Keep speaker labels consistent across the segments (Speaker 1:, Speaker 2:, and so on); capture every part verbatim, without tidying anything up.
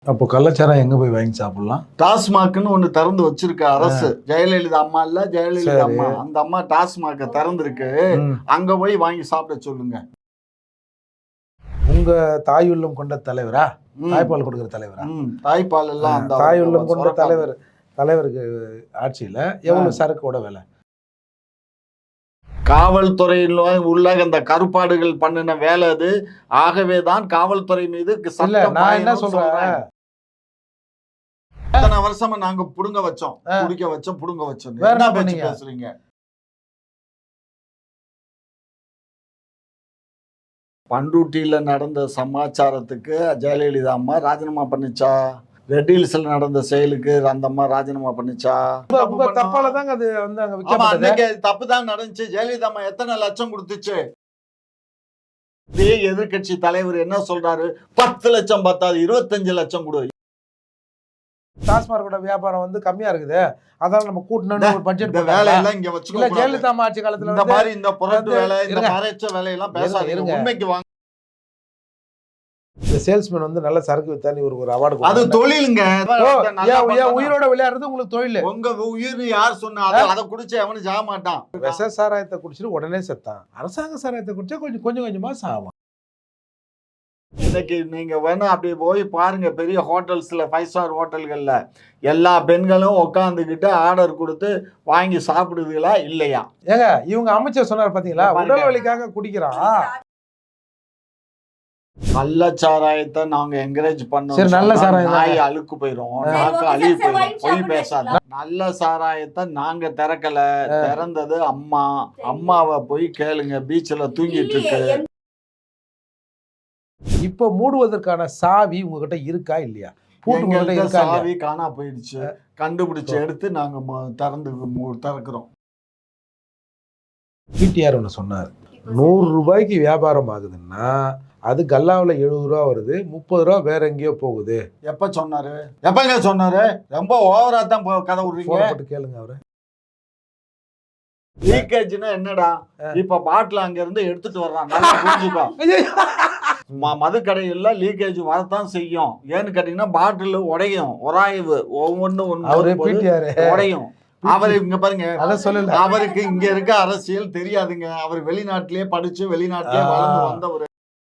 Speaker 1: அப்போ கள்ளச்சாராயம் எங்க போய் வாங்கி சாப்பிடலாம்?
Speaker 2: டாஸ்மாக்னு ஒண்ணு திறந்து வச்சிருக்க அரசு. ஜெயலலிதா அம்மா இல்ல, ஜெயலலிதா
Speaker 1: சரி.
Speaker 2: அம்மா. அந்த அம்மா டாஸ்மாக திறந்திருக்கு.
Speaker 1: ம்.
Speaker 2: அங்க போய் வாங்கி சாப்பிட சொல்லுங்க.
Speaker 1: உங்க தாய் உள்ளம் கொண்ட தலைவரா?
Speaker 2: ம்.
Speaker 1: தாய்ப்பால் கொடுக்கிற தலைவரா?
Speaker 2: ம். தாய்ப்பால் எல்லாம் அந்த
Speaker 1: தாய் உள்ளம் கொண்ட
Speaker 2: சுரக்காது.
Speaker 1: தலைவர் தலைவருக்கு ஆட்சியில எவ்வளவு சரக்கோட விலை?
Speaker 2: காவல்துறையில் உள்ள அந்த கருப்பாடுகள் பண்ணின வேலை அது. ஆகவே தான் காவல்துறை மீது
Speaker 1: இல்ல
Speaker 2: சட்டம்
Speaker 1: நான் என்ன
Speaker 2: பாயணும்னு
Speaker 1: சொல்றேன்,
Speaker 2: சொல்றேன். இத்தனை வருஷமா நாங்க புடுங்க வச்சோம்,
Speaker 1: ஆ.
Speaker 2: குடிக்க வச்சோம், புடுங்க வச்சோம்.
Speaker 1: வேற
Speaker 2: என்ன
Speaker 1: என்ன
Speaker 2: பேச்சு
Speaker 1: பண்ணீங்க?
Speaker 2: பேசுறீங்க? பண்ருட்டியில நடந்த சமாச்சாரத்துக்கு ஜெயலலிதா அம்மா ராஜினாமா பண்ணுச்சா? ரெட் ஹில்ஸ்ல நடந்த செயலுக்கு அந்த அம்மா ராஜினாமா பண்ணுச்சா?
Speaker 1: உங்க- உங்க தப்பால தாங்க அது வந்து அங்க
Speaker 2: ஆமா,
Speaker 1: விற்கப்பட்டது.
Speaker 2: அன்னைக்கு தப்பு தான் நடந்துச்சு. ஜெயலலிதா அம்மா எத்தனை லட்சம் கொடுத்துச்சு? இதே எதிர்க்கட்சி தலைவர் என்ன சொல்றாரு? பத்து லட்சம் பத்தாது, இருபத்தஞ்சு லட்சம் கொடு.
Speaker 1: டாஸ்மார்க்கோட வியாபாரம் வந்து கம்மியா இருக்குது, அதான் நம்ம கூட்டணும்னு ஒரு பட்ஜெட்
Speaker 2: இந்த
Speaker 1: போட்டாங்க.
Speaker 2: வேலையெல்லாம் இங்க
Speaker 1: இல்ல
Speaker 2: வச்சுக்க.
Speaker 1: ஜெயலலிதா அம்மா ஆட்சி காலத்துல
Speaker 2: இந்த
Speaker 1: வந்து
Speaker 2: மாதிரி இந்த புரட்டு
Speaker 1: வந்து-
Speaker 2: வேலை, இந்த
Speaker 1: இருங்க.
Speaker 2: மறைச்ச வேலையெல்லாம்
Speaker 1: இருங்க,
Speaker 2: பேசாதீங்க.
Speaker 1: இருங்க.
Speaker 2: உண்மைக்கு வாங்க.
Speaker 1: இந்த சேல்ஸ்மேன் வந்து நல்ல சரக்கு வித்தா நீ ஒரு ஒரு அவார்டு
Speaker 2: அது தொழிலுங்க. நல்லா பண்ணணும்.
Speaker 1: உயிரோட விளையாடுறது உங்களுக்கு தொழில்.
Speaker 2: உங்க உயிர் யார் சொன்னா? அதை அதை குடிச்சு அவனு சாக மாட்டான்.
Speaker 1: விஷ சாராயத்தை குடிச்சிட்டு உடனே செத்தான். அரசாங்க சாராயத்தை குடிச்சா கொஞ்சம் கொஞ்சம் கொஞ்சமா சாவான்.
Speaker 2: இன்னைக்கு நீங்க வேணா அப்படி போய் பாருங்க, பெரிய ஹோட்டல்ஸ்ல, ஃபைவ் ஸ்டார் ஹோட்டல்கள்ல எல்லா பெண்களும் உட்காந்துக்கிட்டு ஆர்டர் கொடுத்து வாங்கி சாப்பிடுதுங்களா இல்லையா?
Speaker 1: ஏங்க இவங்க அமைச்சர் சொன்னார் பாத்தீங்களா,
Speaker 2: பாருங்க.
Speaker 1: உடல் வலிக்காக குடிக்கிறான்.
Speaker 2: கள்ளச்சாராயத்தை நாங்க என்கரேஜ் பண்ணோம்.
Speaker 1: சரி, நல்ல சாராயம்
Speaker 2: நாய்
Speaker 1: தானே.
Speaker 2: அழுக்கு போயிரும்,
Speaker 1: ஆ.
Speaker 2: நாக்கு அழுகி போயிரும். பொய்
Speaker 3: சாப்பிட
Speaker 2: பேசாத. நல்ல சாராயத்தை நாங்க திறக்கல, திறந்தது அம்மா. அம்மாவை போய் கேளுங்க, பீச்ல தூங்கிட்டு இருக்கு.
Speaker 1: இப்ப மூடுவதற்கான சாவி உங்ககிட்ட இருக்கா இல்லையா? பூட்டு உங்ககிட்ட
Speaker 2: எங்கள்ட்ட
Speaker 1: இருக்கா இல்லையா?
Speaker 2: சாவி காணா போயிடுச்சு. கண்டுபிடிச்சு எடுத்து நாங்க ம- திறந்து மு- திறக்கிறோம்.
Speaker 1: பிடிஆர் ஒன்று சொன்னார், நூறு ரூபாய்க்கு வியாபாரம் ஆகுதுன்னா அது கல்லாவில் எழுபது ரூபா வருது, முப்பது ரூபா வேற எங்கேயோ போகுது.
Speaker 2: எப்ப சொன்னாரு? எப்பங்க சொன்னாரு? ரொம்ப ஓவரா தான் போ- கதை விடுறீங்க.
Speaker 1: போன போட்டு கேளுங்க அவரு.
Speaker 2: லீக்கேஜ்னா என்னடா? இப்ப பாட்டில் அங்க இருந்து எடுத்துட்டு வர்றான். நல்லா புரிஞ்சுக்கோ. ம- மது கடையில லீக்கேஜ் வரத்தான் செய்யும். ஏன்னு கேட்டீங்கன்னா பாட்டில் உடையும், உராய்வு ஒவ்வொன்னு
Speaker 1: அவரு
Speaker 2: ஒன்று
Speaker 1: பிடிஆர்
Speaker 2: உடையும். அவரு இங்க பாருங்க,
Speaker 1: அத சொல்லல.
Speaker 2: அவருக்கு இங்க இருக்க அரசியல் தெரியாதுங்க. அவர் வெளிநாட்டிலேயே படிச்சு வெளிநாட்டிலேயே
Speaker 1: ஆ.
Speaker 2: வளர்ந்து வந்தவர்.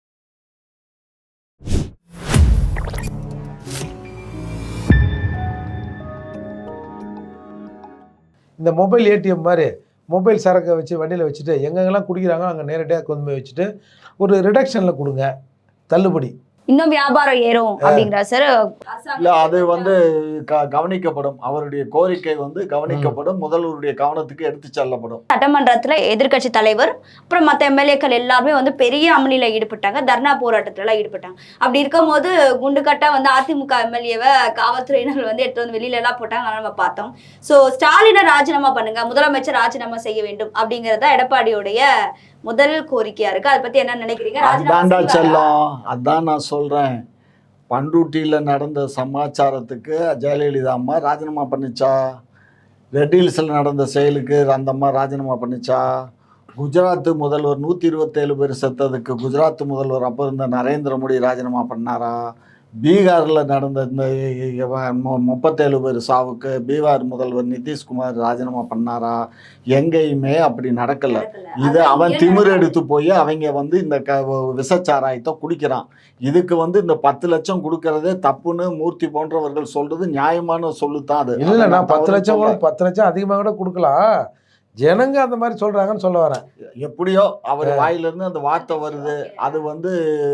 Speaker 1: இந்த மொபைல் ஏடிஎம் மாதிரி மொபைல் சரக்கை வச்சு வண்டியில் வச்சுட்டு எங்கெங்கெல்லாம் குடிக்கிறாங்க அங்கே நேரடியாக கொண்டு போய் வச்சுட்டு ஒரு ரிடக்ஷனில் கொடுங்க, தள்ளுபடி.
Speaker 3: இன்னும் வியாபாரம் ஏறும் அப்படிங்கிற சார்.
Speaker 2: இல்ல, அது வந்து க- கவனிக்கப்படும். அவருடைய கோரிக்கை வந்து கவனிக்கப்படும். முதல்வருடைய கவனத்துக்கு எடுத்து செல்லப்படும்.
Speaker 3: சட்டமன்றத்துல எதிர்க்கட்சி தலைவர் அப்புறம் மற்ற எம்எல்ஏக்கள் எல்லாருமே வந்து பெரிய அமளியில ஈடுபட்டாங்க, தர்ணா போராட்டத்துல எல்லாம் ஈடுபட்டாங்க. அப்படி இருக்கும்போது குண்டுக்கட்டா வந்து அதிமுக எம்எல்ஏவை காவல்துறையினர் வந்து எடுத்து வந்து வெளியில எல்லாம் போட்டாங்க, அதெல்லாம் நம்ம பார்த்தோம். சோ ஸ்டாலினை ராஜினாமா பண்ணுங்க, முதலமைச்சர் ராஜினாமா செய்ய வேண்டும் அப்படிங்கறத எடப்பாடியுடைய முதல் கோரிக்கையா இருக்கு. அதை பத்தி என்ன நினைக்கிறீங்க? ராஜினாமா
Speaker 2: அதான்டா
Speaker 3: செய்வாரா?
Speaker 2: செல்லம், அதான் நான் சொல்றேன். பண்ருட்டியில நடந்த சமாச்சாரத்துக்கு ஜெயலலிதா அம்மா ராஜினாமா பண்ணுச்சா? ரெட் ஹில்ஸ்ல நடந்த செயலுக்கு அந்த அம்மா ராஜினாமா பண்ணுச்சா? குஜராத் முதல்வர் நூத்தி இருபத்தேழு பேர் செத்ததுக்கு குஜராத் முதல்வர் அப்போ இருந்த நரேந்திர மோடி ராஜினாமா பண்ணாரா? பீகார்ல நடந்த இந்த மு- முப்பத்தேழு பேர் சாவுக்கு பீகார் முதல்வர் நிதிஷ்குமார் ராஜினாமா பண்ணாரா? எங்கேயுமே அப்படி நடக்கல. இது அவன் திமிர் எடுத்து போய் அவங்க வந்து இந்த க விஷச்சாராயத்தை குடிக்கிறான். இதுக்கு வந்து இந்த பத்து லட்சம் கொடுக்கறதே தப்புன்னு மூர்த்தி போன்றவர்கள் சொல்றது நியாயமான சொல்லுத்தான் அது.
Speaker 1: இல்லை, நான் பத்து
Speaker 2: தவறு
Speaker 1: லட்சம் கூட
Speaker 2: சொல்லல.
Speaker 1: பத்து லட்சம் அதிகமாக கூட கொடுக்கலாம். ஜனங்க அந்த மாதிரி சொல்றாங்கன்னு சொல்ல வரேன்.
Speaker 2: எப்படியோ அவர் வாயிலிருந்து அந்த வார்த்தை வருது. அது வந்து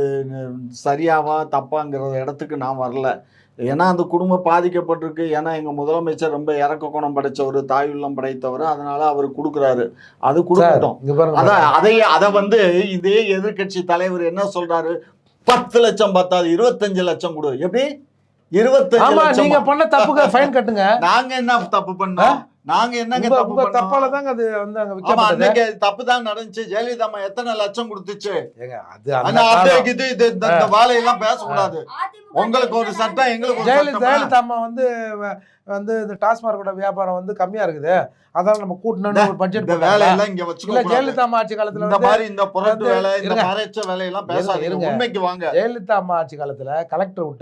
Speaker 2: சரியாவா தப்பாங்கிற இடத்துக்கு நான் வரல. ஏன்னா அந்த குடும்பம் பாதிக்கப்பட்டிருக்கு. ஏன்னா எங்க முதலமைச்சர் ரொம்ப இறக்க குணம் படைச்சவர், தாயுள்ளம் படைத்தவர். அதனால அவர் கொடுக்குறாரு, அது கொடுக்கட்டும்.
Speaker 1: இங்க பாருங்க,
Speaker 2: அதான் அதை அதை வந்து இதே எதிர்க்கட்சி தலைவர் என்ன சொல்றாரு? பத்து லட்சம் பத்தாது, இருபத்தஞ்சு லட்சம் கொடு. எப்படி? இருபத்தஞ்சு
Speaker 1: ஆமா,
Speaker 2: லட்சம்
Speaker 1: நீங்க பண்ண தப்புக்கு ஃபைன் கட்டுங்க.
Speaker 2: நாங்க என்ன தப்பு பண்ணோம்? நாங்க என்னங்க
Speaker 1: உங்க-
Speaker 2: தப்பு
Speaker 1: உங்க தப்பால
Speaker 2: பண்ணோம்?
Speaker 1: தாங்க அது வந்து அங்க
Speaker 2: ஆமா,
Speaker 1: விற்கப்பட்டது.
Speaker 2: அன்னைக்கு தப்பு தான் நடந்துச்சு. ஜெயலலிதா அம்மா எத்தனை லட்சம் கொடுத்துச்சு?
Speaker 1: ஏங்க, அது அந்த
Speaker 2: ஆனா
Speaker 1: காலம்.
Speaker 2: அப்படியே இது இது இந்த இந்த வாழையெல்லாம் பேசக்கூடாது. உங்களுக்கு ஒரு சட்டம், எங்களுக்கு ஒரு
Speaker 1: ஜெயலலிதா
Speaker 2: சட்டம்.
Speaker 1: ஜெயலலிதா அம்மா வந்து வ- வந்து இந்த டாஸ்மார்க்கோட வியாபாரம் வந்து கம்மியா இருக்குது, அதான் நம்ம கூட்டணும்னு ஒரு பட்ஜெட்
Speaker 2: இந்த
Speaker 1: போட்டாங்க.
Speaker 2: வேலையெல்லாம் இங்க
Speaker 1: இல்ல
Speaker 2: வச்சுக்க.
Speaker 1: ஜெயலலிதா அம்மா ஆட்சி காலத்துல
Speaker 2: இந்த
Speaker 1: வந்து
Speaker 2: மாதிரி இந்த புரட்டு
Speaker 1: வந்து-
Speaker 2: வேலை, இந்த
Speaker 1: இருங்க.
Speaker 2: மறைச்ச வேலையெல்லாம்
Speaker 1: இருங்க,
Speaker 2: பேசாதீங்க.
Speaker 1: இருங்க.
Speaker 2: உண்மைக்கு வாங்க.
Speaker 1: ஜெயலலிதா அம்மா ஆட்சி காலத்துல கலெக்டர் விட்டு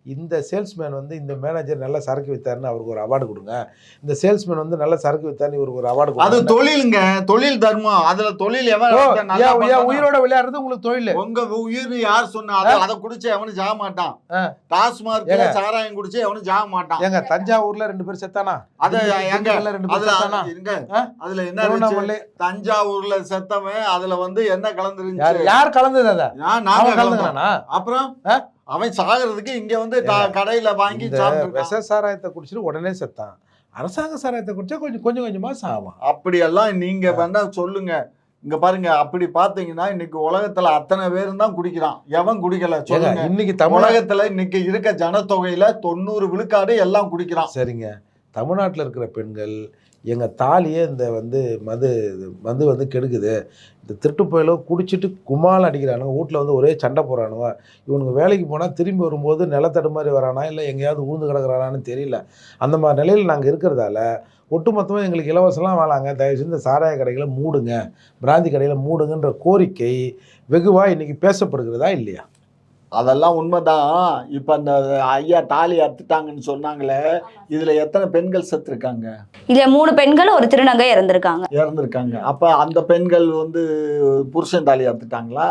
Speaker 1: இந்த சேல்ஸ்மேன் வந்து இந்த மேனேஜர் நல்ல சரக்கு வித்தாருன்னு அவருக்கு ஒரு அவார்டு கொடுங்க, இந்த சேல்ஸ்மேன் வந்து நல்ல சரக்கு வித்தாருன்னு இவருக்கு ஒரு அவார்டு
Speaker 2: அது
Speaker 1: கொடுங்க.
Speaker 2: தொழிலுங்க, தொழில் தர்மம். அதுல தொழில் எவன்
Speaker 1: ஓ,
Speaker 2: நல்லா
Speaker 1: ஏன், ஏன்
Speaker 2: பண்றானோ,
Speaker 1: உயிரோட விளையாடுறது உங்களுக்கு தொழில்?
Speaker 2: உங்க உயிர் யார் சொன்னா? அதை அதை குடிச்சு எவனும் ஜாக மாட்டான்.
Speaker 1: ஆ.
Speaker 2: டாஸ்மார்க்ல
Speaker 1: ஏங்க.
Speaker 2: சாராயம் குடிச்சு எவனும் ஜாக மாட்டான்.
Speaker 1: ஏங்க தஞ்சாவூர்ல ரெண்டு பேர் செத்தானா?
Speaker 2: அது எங்க
Speaker 1: திண்டுக்கல்ல ரெண்டு பேர்
Speaker 2: அதுல
Speaker 1: செத்தானா?
Speaker 2: இருங்க,
Speaker 1: ஆ?
Speaker 2: அதுல என்ன இருந்துச்சு?
Speaker 1: திருவண்ணாமலை
Speaker 2: தஞ்சாவூர்ல செத்தவன் அதுல வந்து என்ன
Speaker 1: யார்
Speaker 2: கலந்துருந்துச்சு?
Speaker 1: யார் கலந்தது? அத
Speaker 2: நான் நாங்க
Speaker 1: அவன்
Speaker 2: கலந்தோம்.
Speaker 1: கலந்துனானா?
Speaker 2: அப்புறம்
Speaker 1: ஆ?
Speaker 2: அவன் சாகிறதுக்கு இங்க வந்து ட- கடையில வாங்கி
Speaker 1: இந்த
Speaker 2: சாப்பிட்டுருக்கான்.
Speaker 1: விஷ சாராயத்தை குடிச்சிட்டு உடனே செத்தான். அரசாங்க சாராயத்தை குடிச்சா கொஞ்சம் கொஞ்சம் கொஞ்சமா சாவான்.
Speaker 2: அப்படியெல்லாம் நீங்க வேணா சொல்லுங்க. இங்க பாருங்க, அப்படி பாத்தீங்கன்னா இன்னைக்கு உலகத்துல அத்தனை பேரும் தான் குடிக்கிறான். எவன் குடிக்கல
Speaker 1: ஏங்க,
Speaker 2: சொல்லுங்க.
Speaker 1: இன்னைக்கு தமிழக
Speaker 2: உலகத்துல இன்னைக்கு இருக்க ஜனத்தொகையில தொண்ணூறு விழுக்காடு எல்லாம் குடிக்கிறான்.
Speaker 1: சரிங்க, தமிழ்நாட்டில் இருக்கிற பெண்கள் எங்கள் தாலியே இந்த வந்து மது மது வந்து கெடுக்குது, இந்த திருட்டு போயிலோ குடிச்சிட்டு கும்மால் அடிக்கிறானுங்க, வீட்டில் வந்து ஒரே சண்டை போடுறானுங்க, இவனுக்கு வேலைக்கு போனால் திரும்பி வரும்போது நிலத்தடு மாதிரி வரானா இல்லை எங்கேயாவது ஊழ்ந்து கிடக்குறானான்னு தெரியல. அந்த மாதிரி நிலையில் நாங்கள் இருக்கிறதால ஒட்டுமொத்தமாக எங்களுக்கு இலவசம்லாம் வேணாங்க, தயவுசெய்து இந்த சாராய கடைகளை மூடுங்க, பிராந்தி கடைகளை மூடுங்கன்ற கோரிக்கை வெகுவாக இன்றைக்கி பேசப்படுகிறதா இல்லையா?
Speaker 2: அதெல்லாம் உண்மைதான். இப்ப அந்த ஐயா தாலி அறுத்துட்டாங்கன்னு சொன்னாங்களே, இதுல எத்தனை பெண்கள் செத்துருக்காங்க?
Speaker 3: இதுல மூணு பெண்கள் ஒரு திருநங்கை இறந்திருக்காங்க.
Speaker 2: இறந்துருக்காங்க. அப்ப அந்த பெண்கள் வந்து புருஷன் தாலி அறுத்துட்டாங்களா?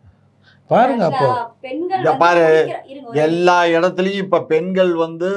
Speaker 1: பாருங்க, அப்போ
Speaker 2: இங்க பாரு, எல்லா இடத்துலயும் இப்ப பெண்கள் வந்து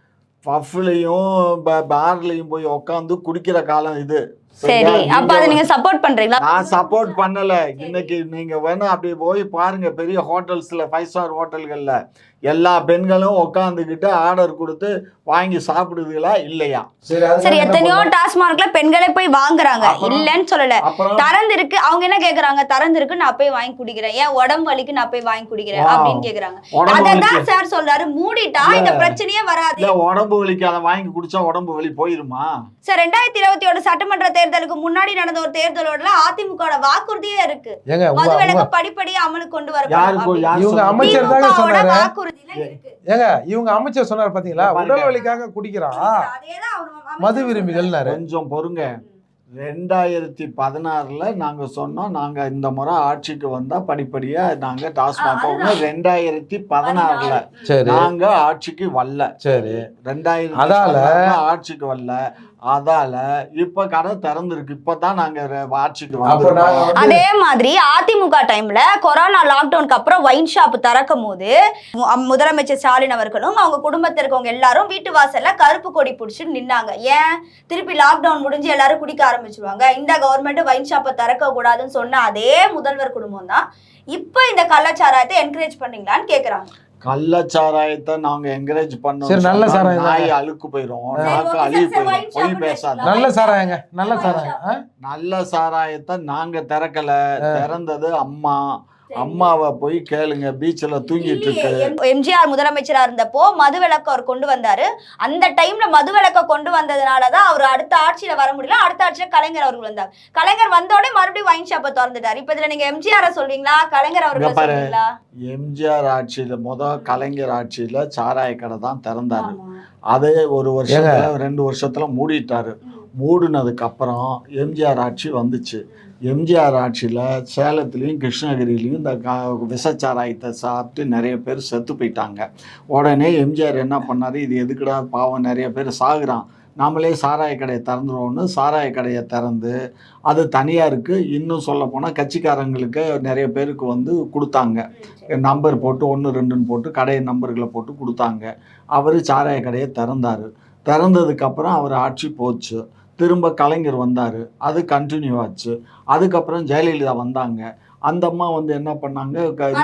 Speaker 2: பஃப்லையும் பார்லையும் போய் உட்காந்து குடிக்கிற காலம் இது.
Speaker 3: சரி, அப்ப அதை நீங்க சப்போர்ட் பண்றீங்களா?
Speaker 2: நான் சப்போர்ட் பண்ணல. இன்னைக்கு நீங்க வேணா அப்படி போய் பாருங்க, பெரிய ஹோட்டல்ஸ்ல, ஃபைவ் ஸ்டார் ஹோட்டல்கள்ல எல்லா பெண்களும் உட்காந்துக்கிட்டு ஆர்டர் கொடுத்து வாங்கி சாப்பிடுதுங்களா இல்லையா?
Speaker 3: சரி, எத்தனையோ டாஸ்மார்க்ல பெண்களே போய் வாங்குறாங்க, இல்லன்னு சொல்லல.
Speaker 2: அப்புறம்
Speaker 3: திறந்து இருக்கு, அவங்க என்ன கேக்குறாங்க? திறந்து இருக்கு, நான் போய் வாங்கி குடிக்கிறேன், ஏன் உடம்பு வலிக்கு நான் போய் வாங்கி குடிக்கிறேன் அப்படின்னு கேக்குறாங்க.
Speaker 2: உடம்பு
Speaker 3: அதான்
Speaker 2: வலிக்கு
Speaker 3: சார் சொல்றாரு, மூடிட்டா இந்த பிரச்சனையே வராது.
Speaker 2: இல்ல, உடம்பு வலிக்கு அதை வாங்கி குடிச்சா உடம்பு வலி போயிருமா?
Speaker 3: சார், ரெண்டாயிரத்தி இருபத்தி ஒண்ணு சட்டமன்ற தேர்தலுக்கு முன்னாடி நடந்த ஒரு தேர்தலோட அதிமுக வாக்குறுதியே இருக்கு,
Speaker 1: ஏங்க
Speaker 3: மதுவிலக்கு படிப்படியா அமலுக்கு கொண்டு வர
Speaker 2: யாருக்கு யார்
Speaker 1: இவங்க
Speaker 2: சொன்னது?
Speaker 1: அமைச்சர் தாங்க சொன்னாரு.
Speaker 3: வாக்குறுதியில இருக்கு.
Speaker 1: ஏங்க இவங்க அமைச்சர் சொன்னார் பாத்தீங்களா, உடல் வலிக்காக குடிக்கிறான்
Speaker 3: அதேதான் அவர்
Speaker 1: மது விரும்பிகள்னாரு.
Speaker 2: கொஞ்சம் பொறுங்க. ரெண்டாயிரத்தி பதினாறுல நாங்க சொன்னோம், நாங்க இந்த முறை ஆட்சிக்கு வந்தா படிப்படியா நாங்க டாஸ்மாக் ரெண்டாயிரத்தி பதினாறுல
Speaker 1: சரி
Speaker 2: நாங்க ஆட்சிக்கு வரல.
Speaker 1: சரி
Speaker 2: ரெண்டாயிரத்தி
Speaker 1: அதால
Speaker 2: ஆட்சிக்கு வரல. அதால இப்ப கடை திறந்துருக்கு. இப்பதான் நாங்க ரெ- ஆட்சிக்கு
Speaker 1: அப்ப
Speaker 2: வந்திருக்கோம்.
Speaker 1: நாங்க வந்து
Speaker 3: அதே மாதிரி அதிமுக டைம்ல கொரோனா லாக்டவுனுக்கு அப்புறம் வைன் ஷாப் திறக்கும் போது மு- முதலமைச்சர் ஸ்டாலின் அவர்களும் அவங்க குடும்பத்தில் இருக்கவங்க எல்லாரும் வீட்டு வாசல்ல கருப்பு கொடி பிடிச்சிட்டு நின்னாங்க. ஏன்? திருப்பி லாக்டவுன் முடிஞ்சு எல்லாரும் குடிக்க ஆரம்பிச்சிருவாங்க, இந்த கவர்மெண்ட் வைன் ஷாப்பை திறக்க கூடாதுன்னு சொன்ன அதே முதல்வர் குடும்பம் தான் இப்ப இந்த கள்ளச்சாராயத்தை என்கரேஜ் பண்ணீங்களான்னு கேக்குறாங்க.
Speaker 2: கள்ளச்சாராயத்தை நாங்க என்கரேஜ் பண்ணோம்.
Speaker 1: சரி, நல்ல சாராயம்
Speaker 2: நாய் அழுக்கு போயிரும், நாக்கு அழுகி போயிரும். பொய் பேசாத.
Speaker 1: நல்ல சாராயங்க, நல்ல சாராயம். ஆ?
Speaker 2: நல்ல சாராயத்தை நாங்க திறக்கல. திறந்தது அம்மா. அம்மாவை போய் கேளுங்க, பீச்ல தூங்கிட்டு இருக்கு.
Speaker 3: எம்ஜிஆர் முதலமைச்சரா இருந்தப்போ மதுவிலக்கு அவர் கொண்டு வந்தாரு. அந்த டைம்ல மதுவிலக்க கொண்டு வந்ததுனாலதான் அவர் அடுத்த ஆட்சியில வர முடியல. அடுத்த ஆட்சியில கலைஞர் அவர்கள் வந்தார். கலைஞர் வந்தோடனே மறுபடியும் வைன் ஷாப்பை திறந்துட்டாரு. இப்ப இதுல நீங்க எம்ஜிஆர் சொல்றீங்களா, கலைஞர் அவர்கள் சொல்றீங்களா?
Speaker 2: எம்ஜிஆர் ஆட்சியில முத கலைஞர் ஆட்சியில சாராய கடை தான் திறந்தாரு. அதே ஒரு வருஷத்துல ரெண்டு வருஷத்துல மூடிட்டாரு. மூடினதுக்கு அப்புறம் எம்ஜிஆர் ஆட்சி வந்துச்சு. எம்ஜிஆர் ஆட்சியில் சேலத்துலேயும் கிருஷ்ணகிரிலையும் இந்த கா விஷச்சாராயத்தை சாப்பிட்டு நிறைய பேர் செத்து போயிட்டாங்க. உடனே எம்ஜிஆர் என்ன பண்ணார், இது எதுக்குடா பாவம் நிறைய பேர் சாகுறான், நாமளே சாராய கடையை திறந்துருவோன்னு சாராய கடையை திறந்து அது தனியாருக்கு, இன்னும் சொல்ல போனால் கட்சிக்காரங்களுக்கு நிறைய பேருக்கு வந்து கொடுத்தாங்க. நம்பர் போட்டு ஒன்று ரெண்டுன்னு போட்டு கடை நம்பர்களை போட்டு கொடுத்தாங்க. அவர் சாராய கடையை திறந்தார். திறந்ததுக்கப்புறம் அவர் ஆட்சி போச்சு. திரும்ப கலைஞர் வந்தார், அது கண்டினியூ ஆச்சு. அதுக்கப்புறம் ஜெயலலிதா வந்தாங்க. அந்த அம்மா வந்து என்ன பண்ணாங்க,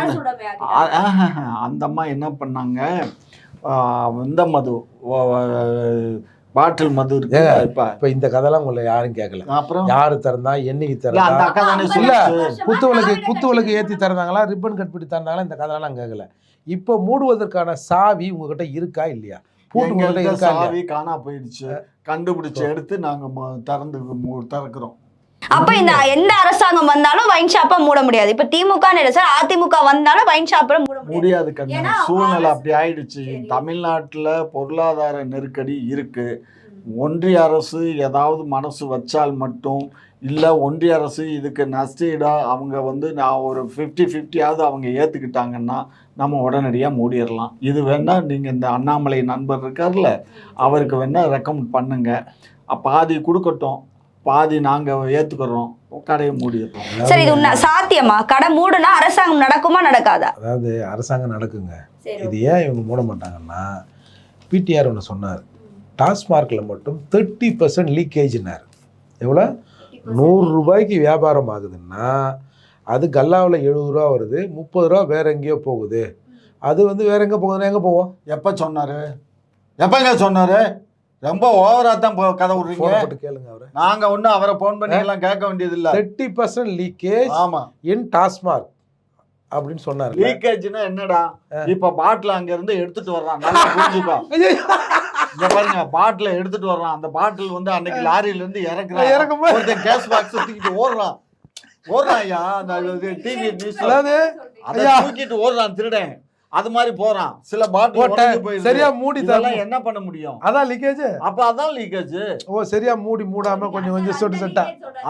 Speaker 2: அந்த அம்மா என்ன பண்ணாங்க, இந்த மது பாட்டில் மது இருக்கு. இப்ப
Speaker 1: இப்ப இந்த கதைலாம் உங்களை யாரும் கேட்கல.
Speaker 2: அப்புறம்
Speaker 1: யாரு திறந்தா, என்னைக்கு
Speaker 2: அந்த
Speaker 1: திறந்தா,
Speaker 2: அக்கா தானே
Speaker 1: இல்ல
Speaker 2: சொல்லுச்சு.
Speaker 1: குத்து விளக்கு குத்து விளக்கு ஏத்தி திறந்தாங்களா, ரிப்பன் கட் பண்ணி திறந்தாங்களா, இந்த கதைலாம் கேட்கல. இப்போ மூடுவதற்கான சாவி உங்ககிட்ட இருக்கா இல்லையா? பூட்டு உங்ககிட்ட
Speaker 2: எங்கள்கிட்ட
Speaker 1: இருக்கா இல்லையா?
Speaker 2: சாவி காணா போயிடுச்சு. கண்டுபிடிச்சு எடுத்து நாங்க ம- திறந்து மு- திறக்கிறோம்.
Speaker 3: அப்ப இந்த எந்த அரசாங்கம் வந்தாலும் வைன் ஷாப்பை மூட முடியாது. இப்ப திமுக இல்ல சார், அதிமுக வந்தாலும் வைன் ஷாப்பை மூட முடியாது.
Speaker 2: முடியாது கண்ணு.
Speaker 3: ஏன்னா
Speaker 2: சூழ்நிலை
Speaker 3: அரசு-
Speaker 2: அப்படி ஆயிடுச்சு.
Speaker 3: சரி.
Speaker 2: தமிழ்நாட்டுல பொருளாதார நெருக்கடி இருக்கு. ஒன்றிய அரசு ஏதாவது மனசு வச்சால் மட்டும், இல்லை ஒன்றிய அரசு இதுக்கு நஷ்டீடாக அவங்க வந்து நான் ஒரு ஃபிஃப்டி ஃபிஃப்டியாவது அவங்க ஏற்றுக்கிட்டாங்கன்னா நம்ம உடனடியாக மூடிடலாம். இது வேணால் நீங்கள் இந்த அண்ணாமலை நண்பர் இருக்கார்ல, அவருக்கு வேணால் ரெக்கமெண்ட் பண்ணுங்க. பாதி கொடுக்கட்டும், பாதி நாங்கள் ஏற்றுக்கிறோம், கடையை மூடிடுறோம்.
Speaker 3: சரி, இது உண்மை சாத்தியமா? கடை மூடுனா அரசாங்கம் நடக்குமா நடக்காதா?
Speaker 1: அதாவது அரசாங்கம் நடக்குங்க. இது ஏன் இவங்க மூட மாட்டாங்கன்னா, பிடிஆர் ஒன்று சொன்னார், டாஸ்மார்க்கில் மட்டும் தேர்ட்டி பர்சன்ட் லீக்கேஜ்னார். எவ்வளோ? நூறு ரூபாய்க்கு வியாபாரம் ஆகுதுன்னா அது கல்லாவில் எழுபது ரூபா வருது, முப்பது ரூபா வேற எங்கேயோ போகுது. அது வந்து வேற எங்கே போகுதுன்னா எங்கே போவோம்?
Speaker 2: எப்போ சொன்னார்? எப்போங்க சொன்னார்? ரொம்ப ஓவராக தான் கதை விட்றீங்க.
Speaker 1: போட்டு கேளுங்க அவரை.
Speaker 2: நாங்கள் ஒன்றும் அவரை ஃபோன் பண்ணி எல்லாம் கேட்க வேண்டியதில்லை.
Speaker 1: தேர்ட்டி பர்சன்ட் லீக்கேஜ்
Speaker 2: ஆமாம்
Speaker 1: இன் டாஸ்மார்க் அப்படின்னு சொன்னார்.
Speaker 2: லீக்கேஜ்னா என்னடா? இப்ப பாட்டில் அங்க இருந்து எடுத்துட்டு வர்றான், நல்லா புரிஞ்சுக்கோ. இங்க பாருங்க, பாட்டில் எடுத்துட்டு வர்றான். அந்த பாட்டில் வந்து அன்னைக்கு லாரியில இருந்து இறக்குறான்,
Speaker 1: இறக்கும்போது
Speaker 2: ஒருத்தன் கேஸ் பாக்ஸ் தூக்கிட்டு ஓடுறான் ஓடுறான் ஐயா. அந்த டிவி நியூஸ்ல
Speaker 1: அதாவது
Speaker 2: அதை தூக்கிட்டு ஓடுறான் திருடன். அது மாதிரி போறான். சில பாட்டில் போயிடுது.
Speaker 1: சரியா மூடி தரலாம்,
Speaker 2: என்ன பண்ண முடியும்?
Speaker 1: அதான் லீக்கேஜ்.
Speaker 2: அப்ப அதான் லீக்கேஜ்.
Speaker 1: ஓ, சரியா மூடி மூடாம கொஞ்சம் கொஞ்சம் சொட்டு சொட்டா.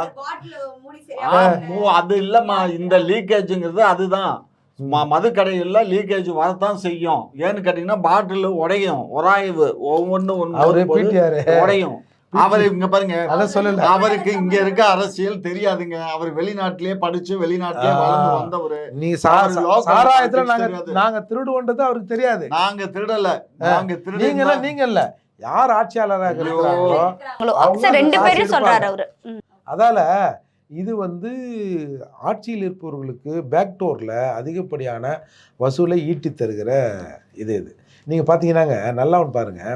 Speaker 2: அது இல்லம்மா, இந்த லீக்கேஜ்ங்கிறது அதுதான். மது கடையில் லீக்கேஜ் வரத்தான் செய்யும். ஏன்னு கேட்டீங்கன்னா பாட்டில் உடையும், உராய்வு ஒவ்வொன்று ஒன்று உடையும். அவரு இங்க பாருங்க, அவருக்கு இங்க இருக்க அரசியல் தெரியாதுங்க. அவர் வெளிநாட்டிலேயே படிச்சு வெளிநாட்டிலேயே வளர்ந்து வந்தவரு.
Speaker 1: நீ சாராயத்துல நாங்க நாங்க திருடுவோன்றது அவருக்கு தெரியாது.
Speaker 2: நாங்க திருடல, நாங்க திருடுங்க.
Speaker 1: நீங்க இல்ல, யார் ஆட்சியாளராக
Speaker 3: இருக்கிறாங்களோ ரெண்டு பேரும் சொல்றாரு அவரு.
Speaker 1: அதால இது வந்து ஆட்சியில் இருப்பவர்களுக்கு பேக்டோரில் அதிகப்படியான வசூலை ஈட்டி தருகிற இது இது நீங்கள் பார்த்தீங்கன்னாங்க. நல்லா ஒன்று பாருங்கள்,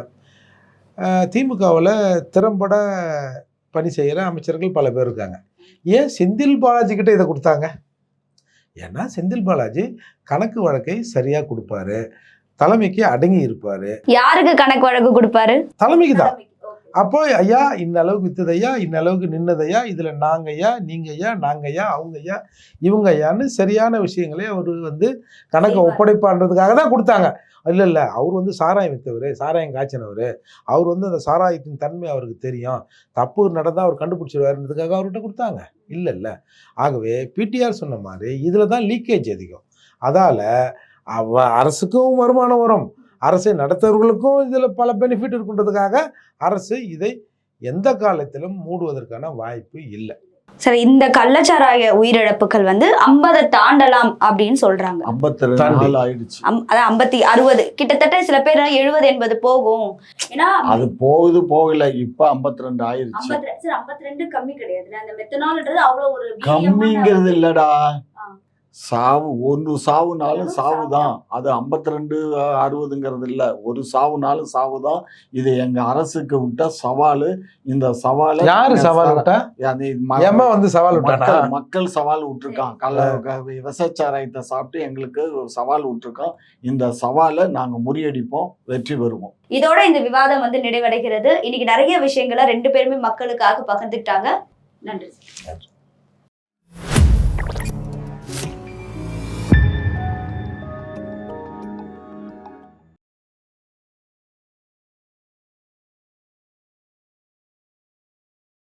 Speaker 1: திமுகவில் திறம்பட பணி செய்கிற அமைச்சர்கள் பல பேர் இருக்காங்க. ஏன் செந்தில் பாலாஜி கிட்ட இதை கொடுத்தாங்க? ஏன்னா செந்தில் பாலாஜி கணக்கு வழக்கை சரியாக கொடுப்பாரு, தலைமைக்கு அடங்கி இருப்பாரு.
Speaker 3: யாருக்கு கணக்கு வழக்கு கொடுப்பாரு?
Speaker 1: தலைமைக்கு தான். அப்போ ஐயா இந்த அளவுக்கு வித்தது ஐயா, இந்த அளவுக்கு நின்னதையா, இதில் நாங்க ஐயா, நீங்க ஐயா, நாங்க ஐயா, அவங்க ஐயா, இவங்க ஐயான்னு சரியான விஷயங்களே அவர் வந்து கணக்கை ஒப்படைப்பான்றதுக்காக தான் கொடுத்தாங்க. இல்லை இல்லை, அவர் வந்து சாராயம் விற்றவர், சாராயம் காய்ச்சினவர், அவர் வந்து அந்த சாராயத்தின் தன்மை அவருக்கு தெரியும், தப்பு நடந்தால் அவர் கண்டுபிடிச்சிருவாருன்றதுக்காக அவர்கிட்ட கொடுத்தாங்க. இல்லை இல்லை. ஆகவே பிடிஆர் சொன்ன மாதிரி இதில் தான் லீக்கேஜ் அதிகம். அதால் அவ அரசுக்கும் வருமானம் வரும், அரசை நடத்துவர்களுக்கும் இதில் பல பெனிஃபிட் இருக்குன்றதுக்காக அரசு இதை எந்த காலத்திலும் மூடுவதற்கான வாய்ப்பு இல்லை.
Speaker 3: சரி, இந்த கள்ளச்சாராய உயிரிழப்புகள் வந்து ஐம்பதை தாண்டலாம் அப்படின்னு சொல்றாங்க.
Speaker 2: ஐம்பத்தி ரெண்டு ஆயிடுச்சு.
Speaker 3: அதான் ஐம்பத்தி அறுபது கிட்டத்தட்ட, சில பேர் எழுபது எண்பது போகும். ஏன்னா
Speaker 2: அது போகுது போகல, இப்ப ஐம்பத்தி ரெண்டு ஆயிடுச்சு.
Speaker 3: ஐம்பத்தி ரெண்டு கம்மி கிடையாது. அந்த மெத்தனால்ன்றது அவ்வளவு ஒரு
Speaker 2: கம்மிங்கிறது இல்லடா. சாவு ஒரு சாவுனாலும் சாவு தான். அது ஐம்பத்தி ரெண்டு அறுபதுங்கிறது இல்லை, ஒரு சாவுனாலும் சாவு தான். இது எங்க அரசுக்கு விட்ட சவாலு. இந்த சவாலை
Speaker 1: யாரு சவால் விட்டா? வந்து சவால்
Speaker 2: மக்கள் மக்கள் சவால் விட்டுருக்கான். கள்ள விசச்சாராயத்தை சாப்பிட்டு எங்களுக்கு சவால் விட்டுருக்கான். இந்த சவாலை நாங்க முறியடிப்போம், வெற்றி பெறுவோம்.
Speaker 3: இதோட இந்த விவாதம் வந்து நிறைவடைகிறது. இன்னைக்கு நிறைய விஷயங்களை ரெண்டு பேருமே மக்களுக்காக பகிர்ந்துட்டாங்க. நன்றி.